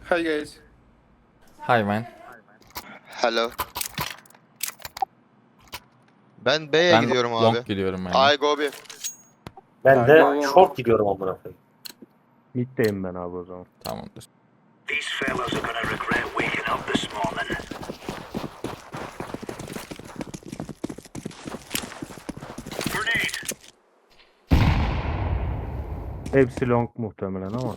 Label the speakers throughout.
Speaker 1: Hi guys.
Speaker 2: Hi man.
Speaker 3: Hello. Ben B'ye
Speaker 2: Ben
Speaker 3: gidiyorum abi.
Speaker 2: long gidiyorum ben de.
Speaker 3: I go B.
Speaker 4: Ben de
Speaker 1: Go.
Speaker 4: short gidiyorum amına koyayım.
Speaker 5: Mid'deyim ben abi o zaman.
Speaker 2: Tamamdır.
Speaker 6: These fellas are gonna regret waking up this morning. Grenade!
Speaker 5: Hepsi long muhtemelen ama.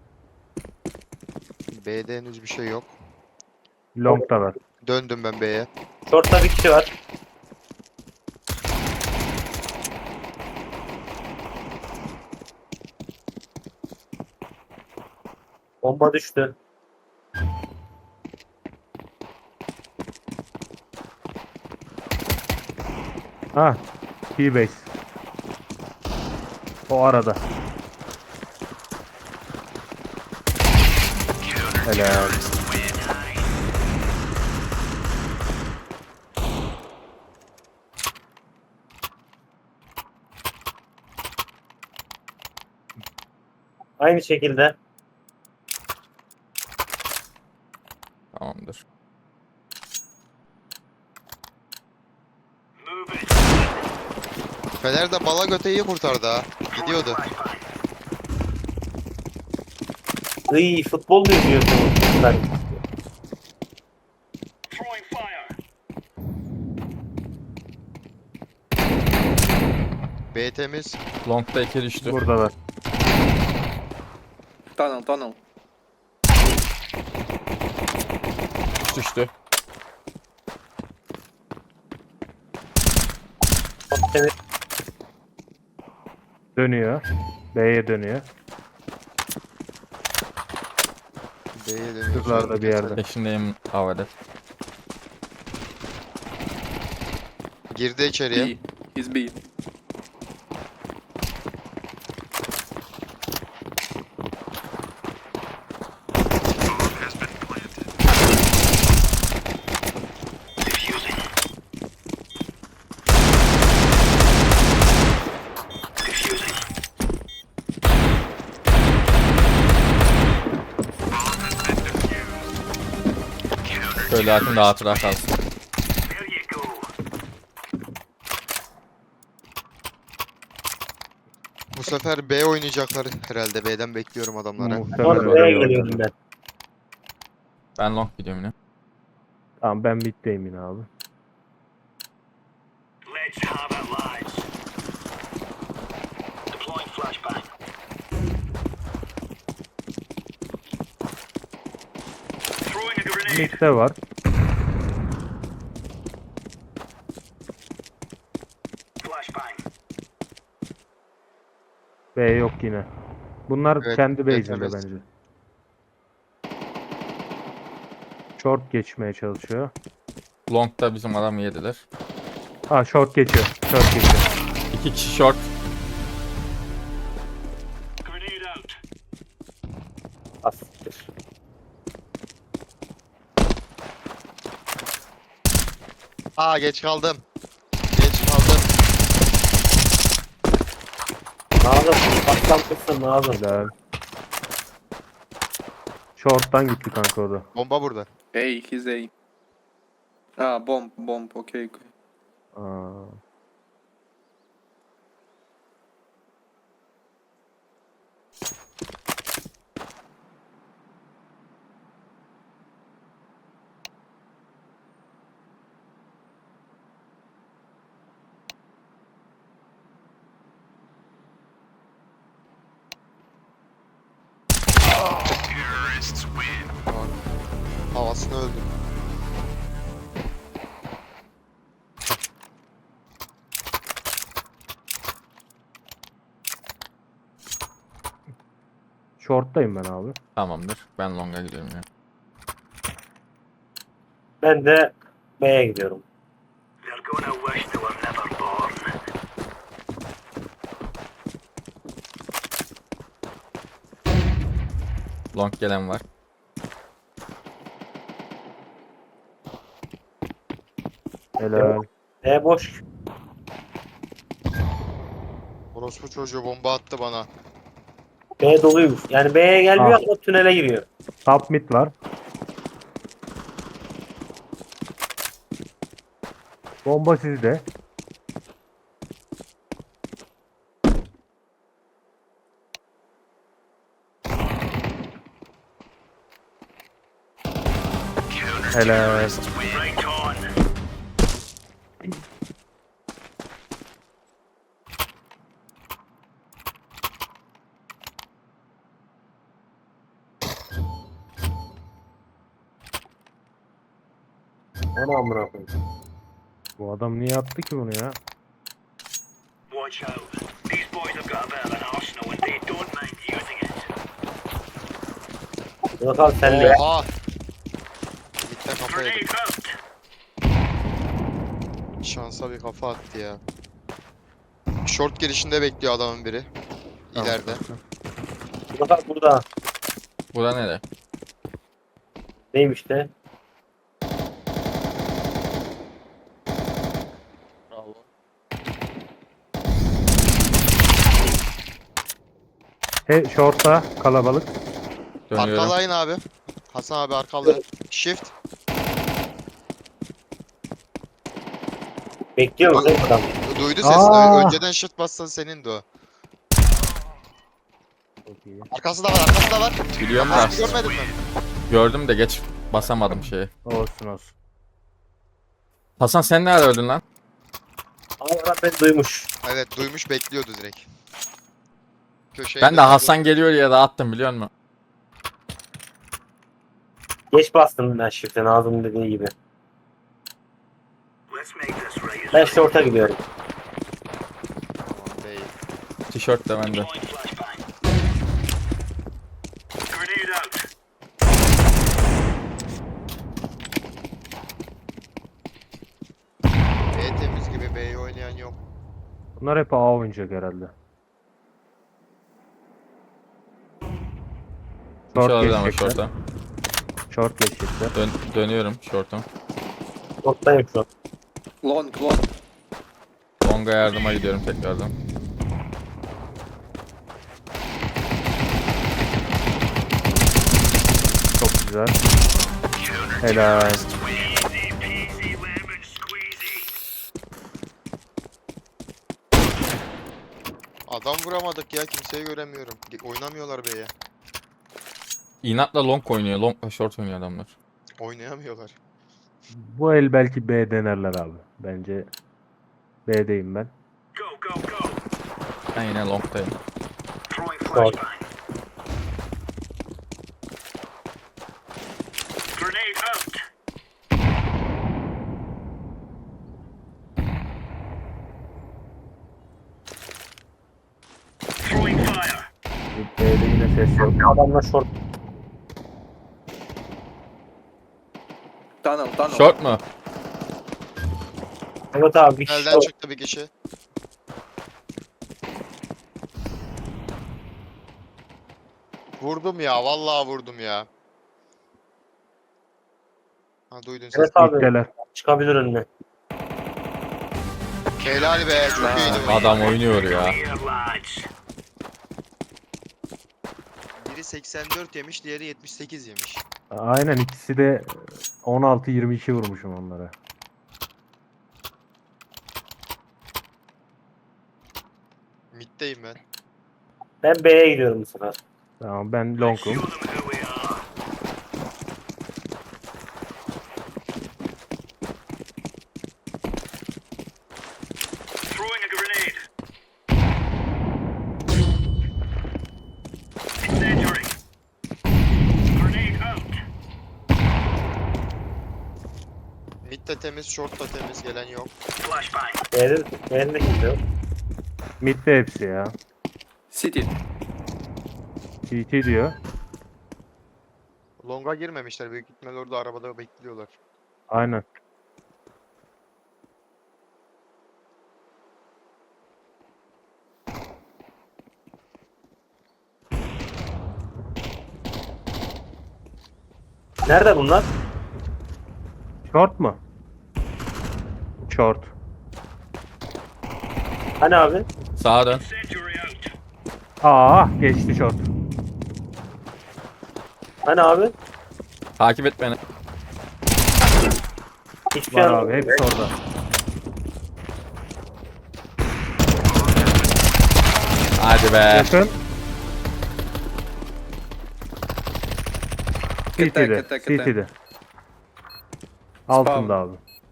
Speaker 3: B'de henüz bir şey yok.
Speaker 5: Long da var.
Speaker 3: Döndüm ben B'ye.
Speaker 4: Short'ta bir kişi var. Bomba düştü.
Speaker 5: Ah, T-base. O arada. Helal.
Speaker 4: Aynı şekilde.
Speaker 2: Tamamdır.
Speaker 6: Move it!
Speaker 3: Fener de bala göteyi kurtardı ha. Gidiyordu.
Speaker 4: Iy, futbol mu izliyorsunuz? Ben
Speaker 6: Throwing fire!
Speaker 3: B temiz.
Speaker 2: Long'da 2 düştü.
Speaker 5: Burada var.
Speaker 1: Tunnel.
Speaker 2: Düştü.
Speaker 4: seni
Speaker 5: Dönüyor. B'ye dönüyor.
Speaker 3: B'ye dönüyor.
Speaker 5: Şuralarda bir yerde.
Speaker 2: Peşindeyim havada.
Speaker 3: Girdi içeriye.
Speaker 1: B. He's B.
Speaker 6: Defusing. Defusing.
Speaker 2: Şöyle atın da hatıra kalsın.
Speaker 6: There you go.
Speaker 3: Bu sefer B oynayacaklar herhalde. B'den bekliyorum adamları.
Speaker 5: Muhtemelen
Speaker 4: Sonra B'ye
Speaker 5: öyle
Speaker 4: geliyorum
Speaker 5: oldu.
Speaker 4: ben.
Speaker 2: Ben long gidiyorum yine.
Speaker 5: Tamam ben mid'deyim yine abi.
Speaker 6: Let's have it, lads. Deploying flashbang. Throwing a grenade.
Speaker 5: Mid'de var.
Speaker 6: Flashbang.
Speaker 5: B yok yine. Bunlar
Speaker 3: Evet,
Speaker 5: kendi
Speaker 3: evet,
Speaker 5: base'inde
Speaker 3: evet.
Speaker 5: bence. Short geçmeye çalışıyor.
Speaker 2: Long'da bizim adam yediler.
Speaker 5: Ha short geçiyor. Short geçiyor.
Speaker 2: 2 kişi short.
Speaker 6: Grenade out.
Speaker 4: Asiktir.
Speaker 3: Aa geç kaldım. Geç kaldım.
Speaker 4: Nazım. Patlamışsın Nazım.
Speaker 5: Helal. Short'tan gitti kanka o da.
Speaker 3: Bomba burada.
Speaker 1: A. He's A. Ah, bomb. Okay.
Speaker 5: Aa.
Speaker 3: Havasını öldüm.
Speaker 5: Short'tayım ben abi.
Speaker 2: Tamamdır. Ben long'a gidiyorum ya.
Speaker 4: Ben de B'ye gidiyorum.
Speaker 6: They're gonna wish they were never born.
Speaker 2: Long gelen var.
Speaker 5: Helal.
Speaker 4: B boş.
Speaker 3: Orospu çocuğu bomba attı bana.
Speaker 4: B doluymuş. Yani B'ye gelmiyor ama tünele giriyor.
Speaker 5: Top mid var. Bomba sizde. Helal.
Speaker 6: Right on.
Speaker 4: Ana amına koyayım.
Speaker 5: Bu adam niye attı ki bunu ya?
Speaker 6: Watch out. These boys have got a bit of an arsenal and they don't mind using it.
Speaker 4: Murat abi sen de.
Speaker 3: Oha! Mid'den kafa
Speaker 6: Grenade
Speaker 3: yedim.
Speaker 6: out.
Speaker 3: Şansa bir kafa attı ya. Short girişinde bekliyor adamın biri.
Speaker 2: Tamam,
Speaker 3: İleride.
Speaker 2: tamam.
Speaker 4: Murat abi burada.
Speaker 2: Bu da nere?
Speaker 4: Neymiş de?
Speaker 3: Bravo.
Speaker 5: He short'ta kalabalık.
Speaker 2: Dönüyorum.
Speaker 3: Arkalayın abi. Hasan abi arkalayın. Shift.
Speaker 4: Bekliyor musun adam?
Speaker 3: Duydu sesini.
Speaker 5: Aa!
Speaker 3: Önceden shift bassan senindi o.
Speaker 5: Çok iyi.
Speaker 3: Arkası da var, arkası da var.
Speaker 2: Biliyorum da.
Speaker 3: Arkasını görmedin mi?
Speaker 2: Gördüm de geç basamadım şeyi.
Speaker 5: Olsun olsun.
Speaker 2: Hasan sen nerede öldün lan?
Speaker 4: Ama adam beni duymuş.
Speaker 3: Evet, duymuş bekliyordu direkt. Köşeye
Speaker 2: Ben de
Speaker 3: döndü.
Speaker 2: Hasan geliyor diye dağıttım biliyor musun?
Speaker 4: Geç bastım ben shift'e Nazım'ın dediği gibi.
Speaker 6: Let's make this right.
Speaker 4: Ben short'a gidiyorum.
Speaker 3: Tamam, değil.
Speaker 2: Tişört de bende.
Speaker 6: Deploying flashbang. Grenade out.
Speaker 3: B temiz gibi, B'yi oynayan yok.
Speaker 5: Bunlar hep A oynayacak herhalde.
Speaker 2: Bir şey
Speaker 5: Short
Speaker 2: olabilir ama
Speaker 5: geçecekler.
Speaker 2: şorta.
Speaker 5: Short geçecekler.
Speaker 2: Dönüyorum şortum.
Speaker 4: Short'tayım şu an.
Speaker 1: Long, long.
Speaker 2: Long'a yardıma gidiyorum tekrardan.
Speaker 5: Çok güzel. Helal.
Speaker 6: Easy peasy lemon squeezy.
Speaker 3: Adam vuramadık ya, kimseyi göremiyorum. Oynamıyorlar B'ye.
Speaker 2: İnatla long oynuyor. Long'la short oynuyor adamlar.
Speaker 3: Oynayamıyorlar.
Speaker 5: Bu el belki B denerler abi. Bence B'deyim ben.
Speaker 6: Go, go, go.
Speaker 2: Ben yine long'tayım.
Speaker 6: Throwing
Speaker 4: Short.
Speaker 6: flashbang. Grenade out. Throwing fire.
Speaker 5: B'de yine ses yok.
Speaker 4: Adamla short.
Speaker 1: Tunnel, tunnel.
Speaker 2: Short mu?
Speaker 4: Evet abi bir kişi
Speaker 3: Elden çıktı bir kişi. Vurdum ya, vallahi vurdum ya. Ha, duydun sen.
Speaker 4: Evet abi
Speaker 5: Middeler.
Speaker 4: çıkabilir önüne.
Speaker 3: Helal be, çok iyiydi bu.
Speaker 2: Adam oynuyor ya.
Speaker 6: Here, lads.
Speaker 3: Biri 84 yemiş, diğeri 78 yemiş.
Speaker 5: Aynen ikisi de 16-22 vurmuşum onlara.
Speaker 3: Mid'deyim ben.
Speaker 4: Ben B'ye gidiyorum bu sefer.
Speaker 5: Tamam ben
Speaker 6: Show
Speaker 5: long'um.
Speaker 6: them who we are. Throwing a grenade. Incendiary. Grenade out.
Speaker 3: Mid de temiz, short da temiz, gelen yok.
Speaker 6: Flashbang.
Speaker 4: B'de de kimse yok.
Speaker 5: Midde hepsi ya.
Speaker 1: City.
Speaker 5: CT diyor.
Speaker 3: Long'a girmemişler, büyük ihtimal orada arabada bekliyorlar.
Speaker 5: Aynen.
Speaker 4: Nerede bunlar?
Speaker 5: Short mu? Short.
Speaker 4: Hani abi?
Speaker 2: Sağa dön.
Speaker 6: Incendiary out.
Speaker 5: Aa geçti short.
Speaker 4: Hani abi?
Speaker 2: Takip et beni.
Speaker 4: Hiçbir şey
Speaker 5: Var
Speaker 4: anlamadım.
Speaker 5: abi hepsi orada.
Speaker 2: Hadi be.
Speaker 5: Yakın.
Speaker 1: Kıta,
Speaker 5: CT'de.
Speaker 1: kıta, kıta.
Speaker 5: CT'de. Altında abi.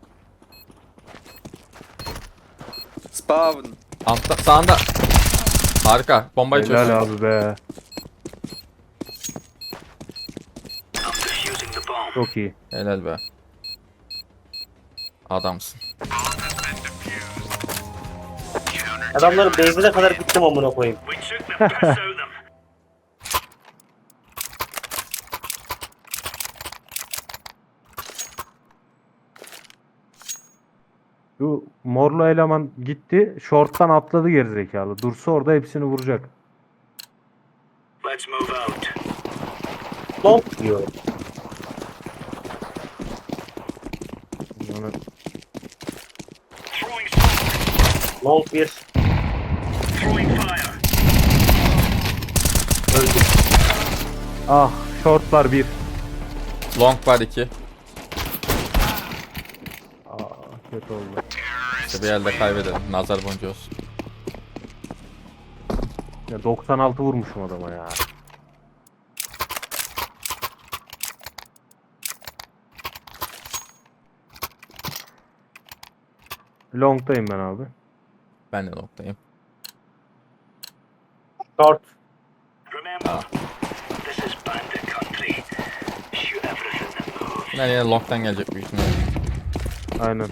Speaker 1: Spawn.
Speaker 2: Altta, sağında. Harika. Bombayı çöz.
Speaker 5: Helal abi be.
Speaker 6: I'm defusing the bomb.
Speaker 5: Çok iyi.
Speaker 2: Helal be. Adamsın.
Speaker 4: Adamların base'ine kadar gittim amına koyayım.
Speaker 6: We took the piss out of them.
Speaker 5: Şu morlu eleman gitti. Short'tan atladı gerizekalı. Dursa orada hepsini vuracak.
Speaker 6: Let's move out.
Speaker 4: Long diyor.
Speaker 5: Yani
Speaker 6: Throwing smoke.
Speaker 4: Long bir.
Speaker 6: Throwing fire.
Speaker 4: Öldü.
Speaker 5: ah shortlar bir.
Speaker 2: Long var 2.
Speaker 5: Aa, kötü oldu.
Speaker 2: İşte bir elde kaybedelim. Nazar boncuğu olsun.
Speaker 5: Ya 96 vurmuşum adama ya. Long'tayım ben abi.
Speaker 2: Ben de long'dayım.
Speaker 4: Short.
Speaker 6: Remember, this is bandit country. Shoot everything that moves.
Speaker 2: Bunlar yine long'dan gelecek büyük ihtimalle.
Speaker 5: Aynen.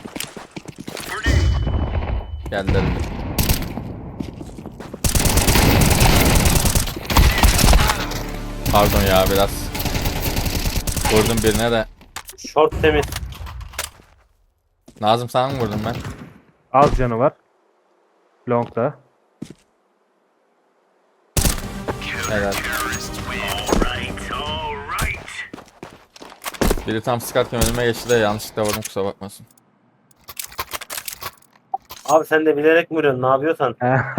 Speaker 2: Geldiler bile. Pardon ya biraz. Vurdum birine de.
Speaker 4: Short temiz.
Speaker 2: Nazım sana mı vurdum ben?
Speaker 5: Az canı var. Long'da.
Speaker 2: Helal.
Speaker 6: Alright, alright.
Speaker 2: Biri tam sıkarken önüme geçti de yanlışlıkla vurdum, kusura bakmasın.
Speaker 4: Abi sen de bilerek mi vuruyorsun? Ne yapıyorsan?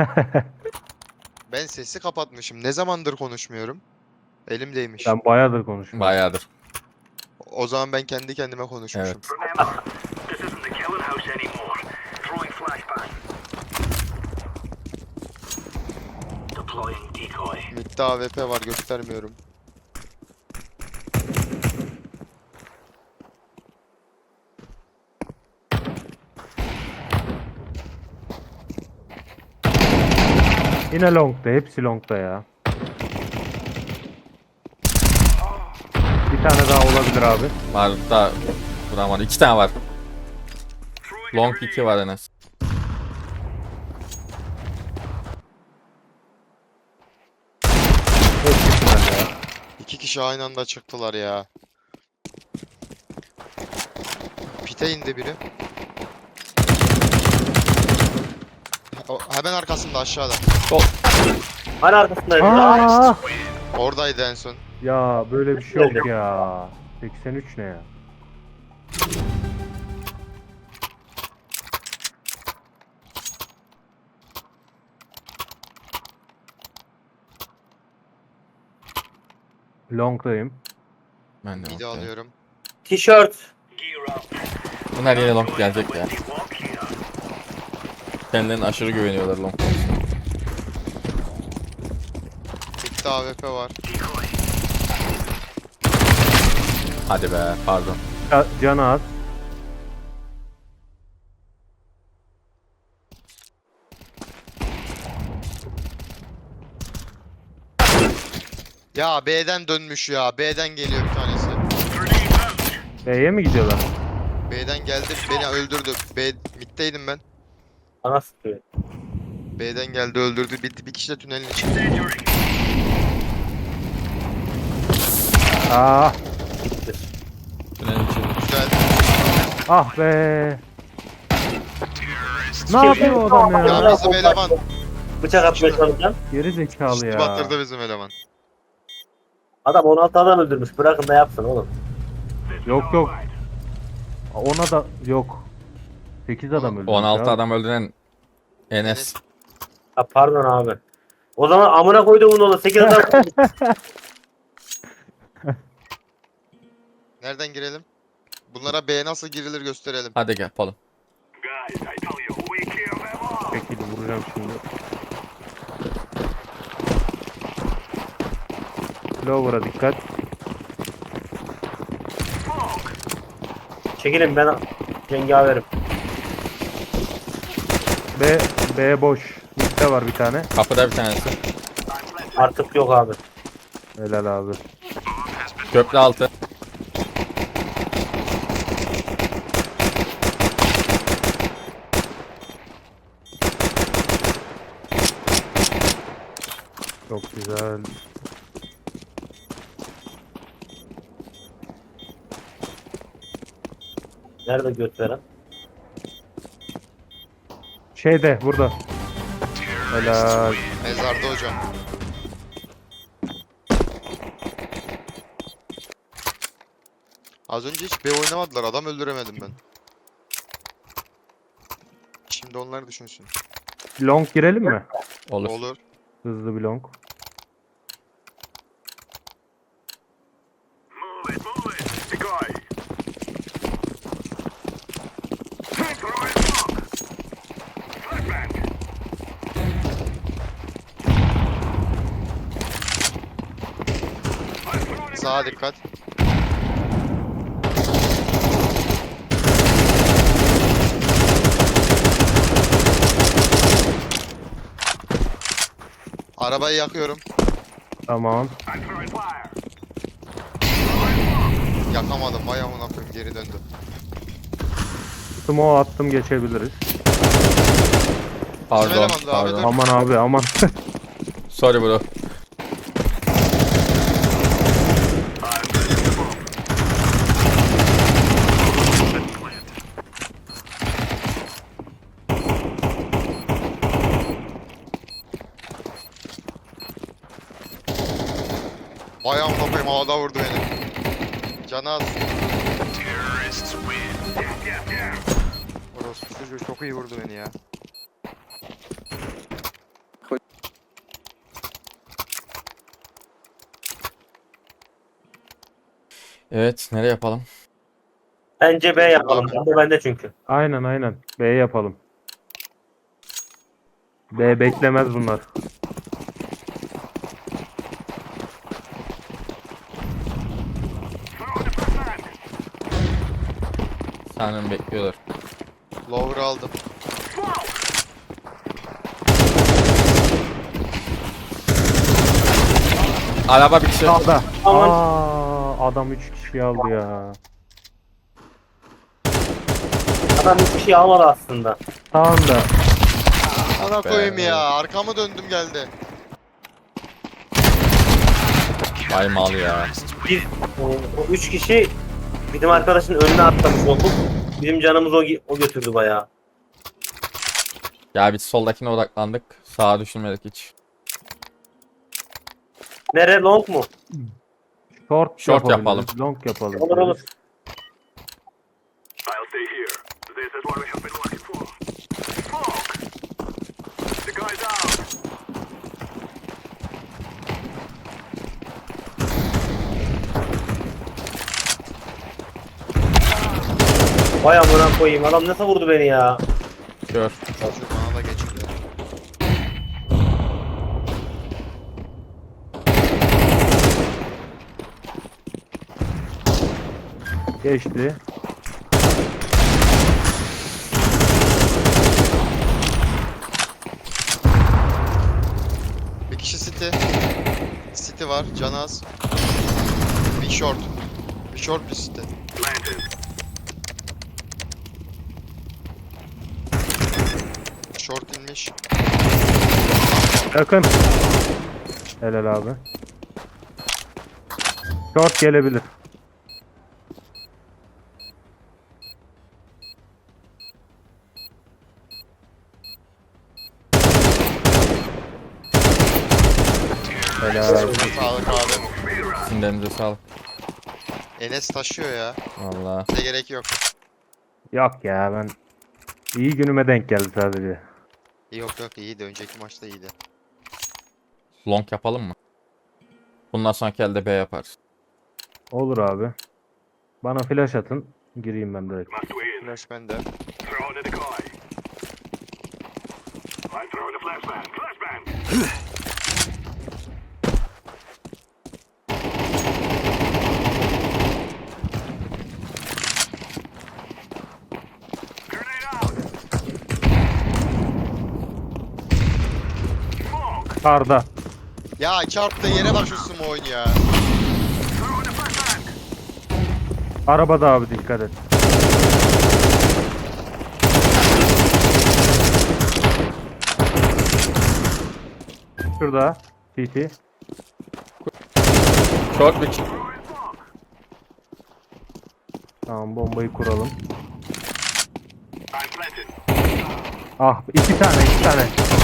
Speaker 3: Ben sesi kapatmışım. Ne zamandır konuşmuyorum? Elimdeymiş.
Speaker 5: Ben bayağıdır konuşuyorum.
Speaker 2: Bayağıdır.
Speaker 3: O zaman ben kendi kendime konuşmuşum.
Speaker 2: Evet.
Speaker 6: Remember, this isn't the killing house anymore. Throwing flashbang. Deploying decoy.
Speaker 3: Mid'de AWP var, göstermiyorum.
Speaker 5: Yine long'da. Hepsi long'da ya. Bir tane daha olabilir abi.
Speaker 2: Var da vuramadı. 2 tane var. Long 2 var en az.
Speaker 5: Hepsi tünelde ya.
Speaker 3: 2 kişi aynı anda çıktılar ya. Pite indi biri. Hemen arkasında, aşağıda.
Speaker 4: Hani arkasındayım.
Speaker 5: Aa!
Speaker 3: Oradaydı en son.
Speaker 5: Ya böyle bir şey yok ya. 83 ne ya? Long'dayım.
Speaker 2: Ben de
Speaker 3: Mid'i
Speaker 2: long'dayım.
Speaker 3: alıyorum.
Speaker 4: Tişört.
Speaker 6: Gear up.
Speaker 2: Bunlar yine long gelecek ya.
Speaker 6: When you walk here.
Speaker 2: Kendilerine aşırı güveniyorlar long.
Speaker 3: Mid'de AWP var.
Speaker 6: Decoy.
Speaker 2: Hadi be, pardon.
Speaker 5: Canı az.
Speaker 3: Ya B'den dönmüş ya. B'den geliyor bir tanesi.
Speaker 6: Grenade out.
Speaker 5: B'ye mi gidiyorlar?
Speaker 3: B'den geldi, beni öldürdü. Mid'deydim ben.
Speaker 4: Bana sıkıyor.
Speaker 3: B'den geldi, öldürdü. Bir kişi de tünelin içinde.
Speaker 6: Incendiary.
Speaker 5: Aa,
Speaker 4: Gitti.
Speaker 2: Tünelin içinde.
Speaker 3: Güzel.
Speaker 5: ah be. Ne yapıyor o adam
Speaker 3: Ya
Speaker 5: ya?
Speaker 3: bizim eleman.
Speaker 4: Bıçak atmaya çalışan.
Speaker 5: Geri zekalı
Speaker 3: Üstü
Speaker 5: ya.
Speaker 3: batırdı bizim eleman.
Speaker 4: Adam 16 adam öldürmüş. Bırakın da yapsın oğlum.
Speaker 5: Yok yok. Ona da yok. 8 adam öldü.
Speaker 2: 16 adam öldüren Enes.
Speaker 4: Ha pardon abi. O zaman amına koyduğumun oğlu 8 adam.
Speaker 3: Nereden girelim? Bunlara B nasıl girilir gösterelim.
Speaker 2: Hadi gel yapalım.
Speaker 6: Guys, I tell you, we clear them all.
Speaker 5: Şekilde vuracağım şimdi. Lower'a dikkat.
Speaker 4: Çekilin ben cengaverim.
Speaker 5: B boş. Mitte var bir tane.
Speaker 2: Kapıda bir tanesi.
Speaker 4: Artık yok abi.
Speaker 5: Helal abi.
Speaker 2: Köprü altı.
Speaker 5: Çok güzel.
Speaker 4: Nerede göt veren?
Speaker 5: Şeyde burada. Helal.
Speaker 3: Mezarda hocam. Az önce hiç B oynamadılar. Adam öldüremedim ben. Şimdi onlar düşünsün.
Speaker 5: Long girelim mi?
Speaker 2: Olur.
Speaker 3: Olur.
Speaker 5: Hızlı bir long.
Speaker 6: Move it. Decoy. Throwing smoke. Flashbang. I'm throwing
Speaker 3: Sağa dikkat. Arabayı yakıyorum.
Speaker 5: Tamam.
Speaker 6: I'm throwing fire.
Speaker 3: Yakamadım. Vay amına koyayım, geri döndü.
Speaker 5: Smoke attım, geçebiliriz.
Speaker 2: Pardon.
Speaker 3: elemandı abi,
Speaker 2: Pardon.
Speaker 3: dur.
Speaker 5: Aman abi aman.
Speaker 2: Sorry bro.
Speaker 3: Vay amına koyayım, havada vurdu beni. Canı az.
Speaker 6: Terrorists win. Yeah.
Speaker 3: Orospu çocuğu çok iyi vurdu beni ya.
Speaker 2: Evet, nereye yapalım?
Speaker 4: Bence B yapalım. Bende çünkü.
Speaker 5: Aynen. B yapalım. B beklemez bunlar.
Speaker 6: Throwing the flashbang.
Speaker 2: Sanırım bekliyorlar.
Speaker 3: Lower aldım.
Speaker 6: Smoke.
Speaker 2: Araba bir kişi.
Speaker 5: Sağda.
Speaker 4: Aman.
Speaker 5: Adam 3 kişi aldı ya.
Speaker 4: Adam hiçbir şey almadı aslında.
Speaker 5: Sağında.
Speaker 3: Ana
Speaker 2: be.
Speaker 3: koyayım ya. Arkamı döndüm geldi.
Speaker 2: Vay mal ya.
Speaker 4: Biz o 3 kişi bizim arkadaşın önüne atlamış olduk. Bizim canımız o götürdü bayağı.
Speaker 2: Ya biz soldakine odaklandık. Sağa düşünmedik hiç.
Speaker 4: Nere long mu?
Speaker 5: Short
Speaker 2: Short
Speaker 5: yapabiliriz,
Speaker 2: yapalım.
Speaker 5: long yapalım.
Speaker 4: Olur olur.
Speaker 6: I'll stay here. This is what we have been looking for. Smoke. The guy's out.
Speaker 4: Vay amına koyayım. Adam nasıl vurdu beni ya?
Speaker 2: Gör.
Speaker 3: Çocuğu bana da geçirdi.
Speaker 5: Geçti.
Speaker 3: Bir kişi city. City var. Canı az. Bir short. Bir short bir city.
Speaker 6: Planted.
Speaker 3: Short inmiş.
Speaker 5: Yakın. Helal abi. Short gelebilir. Helal.
Speaker 3: Sağlık abi.
Speaker 2: Sizin de elinize sağlık.
Speaker 3: Enes taşıyor ya.
Speaker 2: Valla.
Speaker 3: Bize gerek yok.
Speaker 5: Yok ya, ben iyi günüme denk geldi sadece.
Speaker 3: Yok iyiydi. Önceki maçta iyiydi.
Speaker 2: Long yapalım mı? Bundan sonraki elde B yaparız.
Speaker 5: Olur abi. Bana flash atın. Gireyim ben direkt.
Speaker 6: Must win.
Speaker 3: Flash bende.
Speaker 6: Throw in the decoy. I throw the flashbang. Flashbang. Grenade out. Smoke.
Speaker 5: Karda.
Speaker 3: Ya çarptı yere bak şu smoke ya.
Speaker 6: Throw in the flashbang.
Speaker 5: Arabada abi dikkat et. Şurada. TT.
Speaker 2: Short bir
Speaker 5: Tamam bombayı kuralım.
Speaker 6: I'm planted.
Speaker 5: Ah iki tane.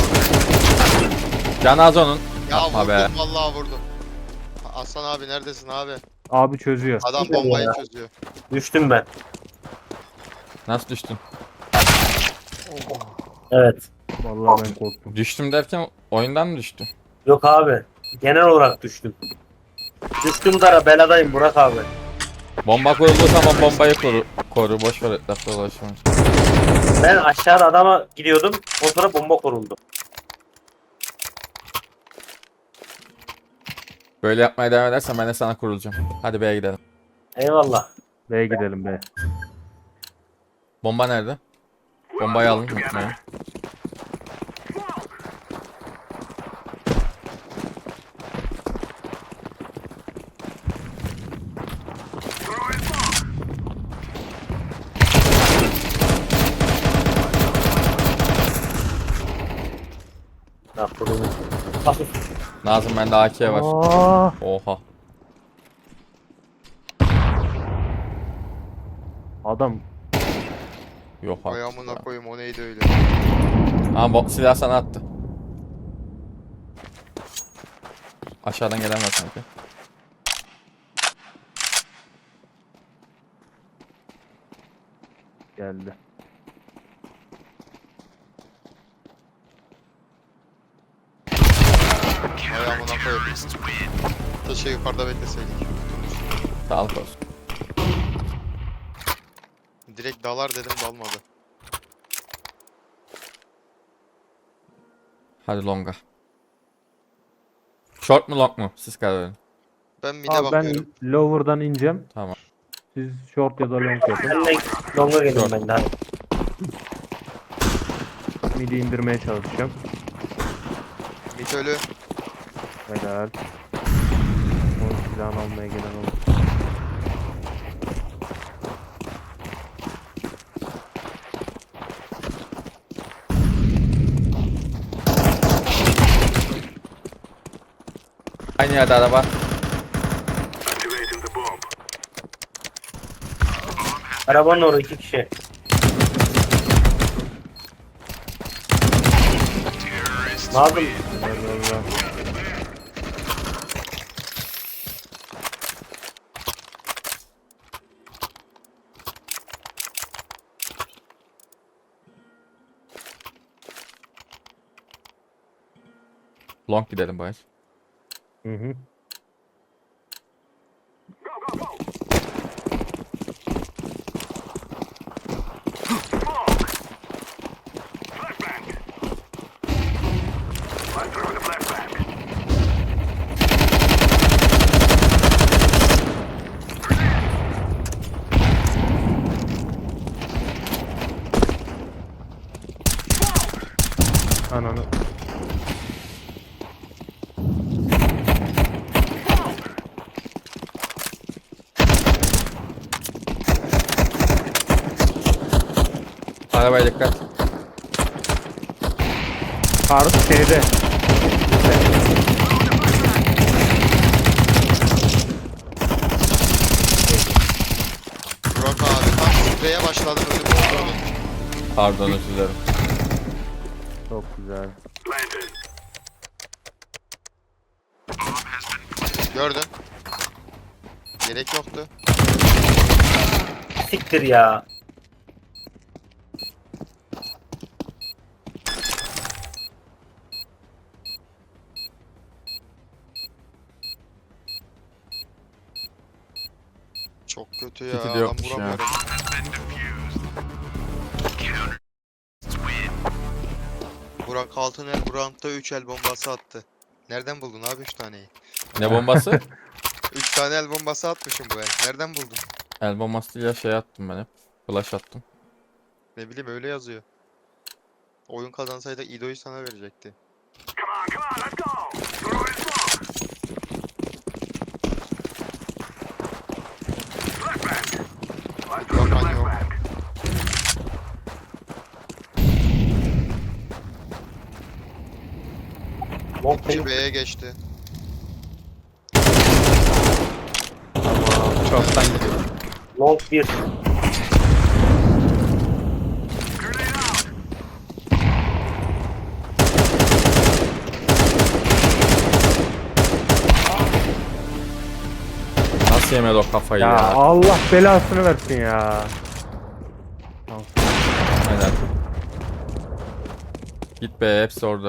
Speaker 2: Can az onun.
Speaker 3: Ya
Speaker 2: Yapma
Speaker 3: vurdum
Speaker 2: be.
Speaker 3: vallahi vurdum. Aslan abi neredesin abi?
Speaker 5: Abi çözüyor.
Speaker 3: Adam
Speaker 4: Güzel
Speaker 3: bombayı
Speaker 4: ya.
Speaker 3: çözüyor.
Speaker 4: Düştüm ben.
Speaker 2: Nasıl düştün?
Speaker 4: Evet.
Speaker 5: Vallahi ben korktum.
Speaker 2: Düştüm derken oyundan mı düştün?
Speaker 4: Yok abi. Genel olarak düştüm. Düştüm dara beladayım Burak abi.
Speaker 2: Bomba kurulduğu zaman bombayı koru. Boş ver etrafta dolaşma.
Speaker 4: Ben aşağıda adama gidiyordum. O sonra bomba kuruldu.
Speaker 2: Böyle yapmaya devam edersen ben de sana kurulacağım. Hadi B'ye gidelim.
Speaker 4: Eyvallah.
Speaker 5: B'ye gidelim be.
Speaker 2: Bomba nerede? Bombayı alın. Unutmayın.
Speaker 6: Throw in smoke.
Speaker 4: Ne kuruldu? Hafif.
Speaker 2: Nazım bende AK var.
Speaker 5: Aa,
Speaker 2: Oha.
Speaker 5: adam
Speaker 2: Yok
Speaker 3: Ay
Speaker 2: artık
Speaker 3: amına
Speaker 2: ya.
Speaker 3: koyayım o neydi öyle.
Speaker 2: Ama silah sana attı. Aşağıdan gelen var sanki.
Speaker 5: geldi.
Speaker 3: Ay amına koyayım. Keşke yukarıda bekleseydik.
Speaker 2: Sağlık olsun.
Speaker 3: Direkt dalar dedim dalmadı.
Speaker 2: Hadi longa. Short mu long mu? Siz karar verin.
Speaker 3: Ben mid'e
Speaker 5: Abi ben
Speaker 3: bakıyorum.
Speaker 5: lower'dan ineceğim.
Speaker 2: Tamam.
Speaker 5: Siz short ya da long yapın.
Speaker 4: Ben de longa geldim
Speaker 2: Yok.
Speaker 4: ben de. Hadi.
Speaker 5: Midi indirmeye çalışacağım.
Speaker 3: Mid ölü.
Speaker 5: Helal. O silahını almaya gelen oldu.
Speaker 2: Aynı yerde araba.
Speaker 6: Activating the bomb.
Speaker 4: Arabanın orada 2 kişi. Nazım
Speaker 5: Allah.
Speaker 2: Long gidelim bayır.
Speaker 5: Hı hı.
Speaker 6: Go, go, go. Smoke. Flashbang. I throw the flashbang.
Speaker 5: Ananı.
Speaker 2: Arabaya dikkat.
Speaker 5: Kar şeyde.
Speaker 3: Burak abi tam spreye başladım ölüm oldu.
Speaker 2: Pardon özür dilerim.
Speaker 5: Çok güzel.
Speaker 6: Planted.
Speaker 3: Gördün. Gerek yoktu.
Speaker 4: siktir ya.
Speaker 3: Çok kötü ya.
Speaker 2: Tiki de
Speaker 3: Adam
Speaker 2: yokmuş ya.
Speaker 3: vuramıyorum. Burak Altıner bu roundda 3 el bombası attı. Nereden buldun abi 3 taneyi?
Speaker 2: Ne bombası?
Speaker 3: 3 tane el bombası atmışım bu el. Nereden buldun?
Speaker 2: El bombasıyla şey attım ben hep. Flash attım.
Speaker 3: Ne bileyim öyle yazıyor. Oyun kazansaydı İdo'yu sana verecekti.
Speaker 6: Come on, let's go. Throw in smoke. Flashbang. Let's throw the
Speaker 3: Bakan yok.
Speaker 6: flashbang.
Speaker 4: Long
Speaker 3: İki
Speaker 4: payı.
Speaker 3: B'ye geçti.
Speaker 2: Tamam. Çoktan gidiyor.
Speaker 4: Long 1.
Speaker 6: Grenade out.
Speaker 2: Nasıl yemedi o kafayı
Speaker 5: Ya
Speaker 2: ya?
Speaker 5: Allah belasını versin ya.
Speaker 2: Aynen. Git be, hepsi orada.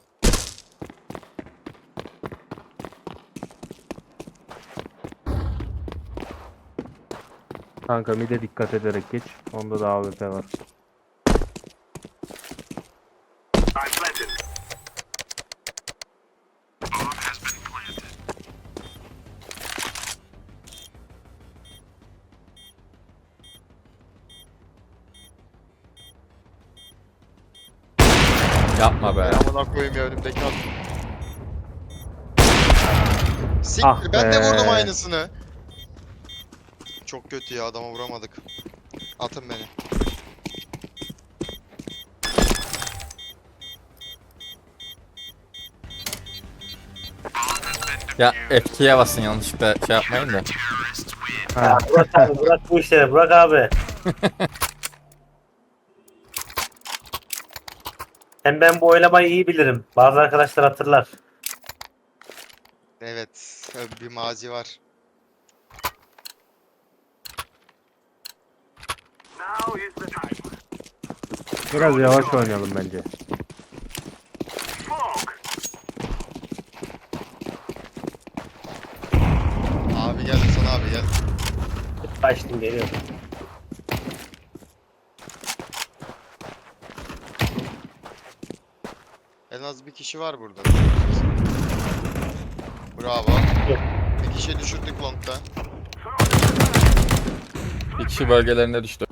Speaker 5: Kanka mide dikkat ederek geç. Onda da AWP var.
Speaker 6: I'm planted.
Speaker 2: Yapma be.
Speaker 3: Amına koyayım ya önümdeki adam. Siktir
Speaker 5: Ah
Speaker 3: ben de
Speaker 5: be.
Speaker 3: vurdum aynısını. Çok kötü ya adama vuramadık. Atın beni.
Speaker 2: Ya F2'ye basın, yanlışlıkla şey yapmayın da.
Speaker 5: Ha.
Speaker 4: Burak abi, Burak bu işleri. Burak abi. Hem ben bu oylamayı iyi bilirim. Bazı arkadaşlar hatırlar.
Speaker 3: Evet bir mazi var.
Speaker 6: Now is the time.
Speaker 5: Biraz yavaş oynayalım bence.
Speaker 6: Smoke.
Speaker 3: Abi gel sana abi gel.
Speaker 4: Kaçtım geliyorum.
Speaker 3: En az bir kişi var burada. Bravo. Bir kişi düşürdük long'da.
Speaker 2: Bir kişi bölgelerine düştü.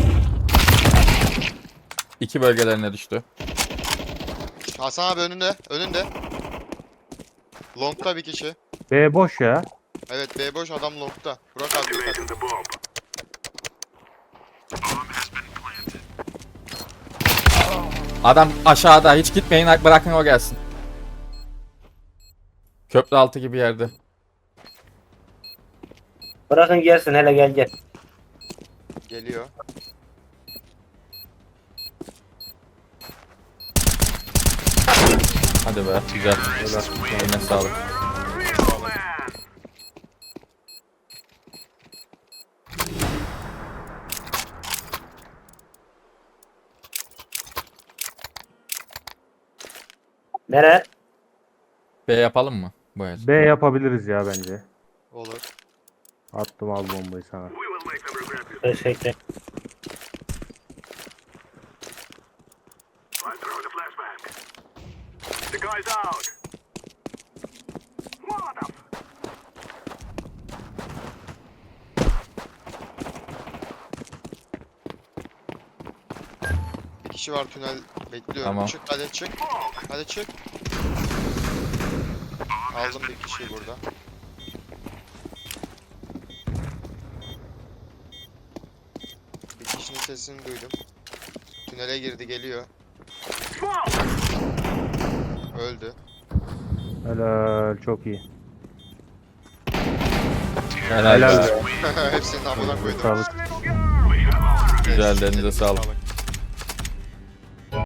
Speaker 2: 2 bölgelerine düştü.
Speaker 3: Hasan abi önünde. Önünde. Long'da bir kişi.
Speaker 5: B boş ya.
Speaker 3: Evet B boş adam long'da. Burak abi dikkat.
Speaker 6: Activating the bomb.
Speaker 2: Adam aşağıda, hiç gitmeyin, bırakın o gelsin. Köprü altı gibi yerde.
Speaker 4: Bırakın gelsin hele gel gel.
Speaker 3: Geliyor.
Speaker 2: Hadi be, güzel. Eline sağlık.
Speaker 6: Real man.
Speaker 4: Nere?
Speaker 2: B yapalım mı bu el?
Speaker 5: B yapabiliriz ya bence.
Speaker 3: Olur.
Speaker 5: Attım al bombayı sana.
Speaker 6: We will make them regret this.
Speaker 4: Teşekkür.
Speaker 6: I throw the flashbang. The guy's out. Mother.
Speaker 3: Bir kişi var tünel bekliyorum.
Speaker 2: Tamam.
Speaker 3: Çık hadi çık. Hadi çık. Aldım bir kişiyi burada. Bir kişinin sesini duydum. Tünele girdi geliyor.
Speaker 6: Smoke.
Speaker 3: Öldü.
Speaker 5: Helal çok iyi.
Speaker 2: Helal
Speaker 5: Helal
Speaker 2: be.
Speaker 5: be.
Speaker 3: Hepsinin amına koydum.
Speaker 5: Sağlık.
Speaker 6: Little girl. We got more.
Speaker 2: Güzel, elinize sağlık.
Speaker 3: Sağlık.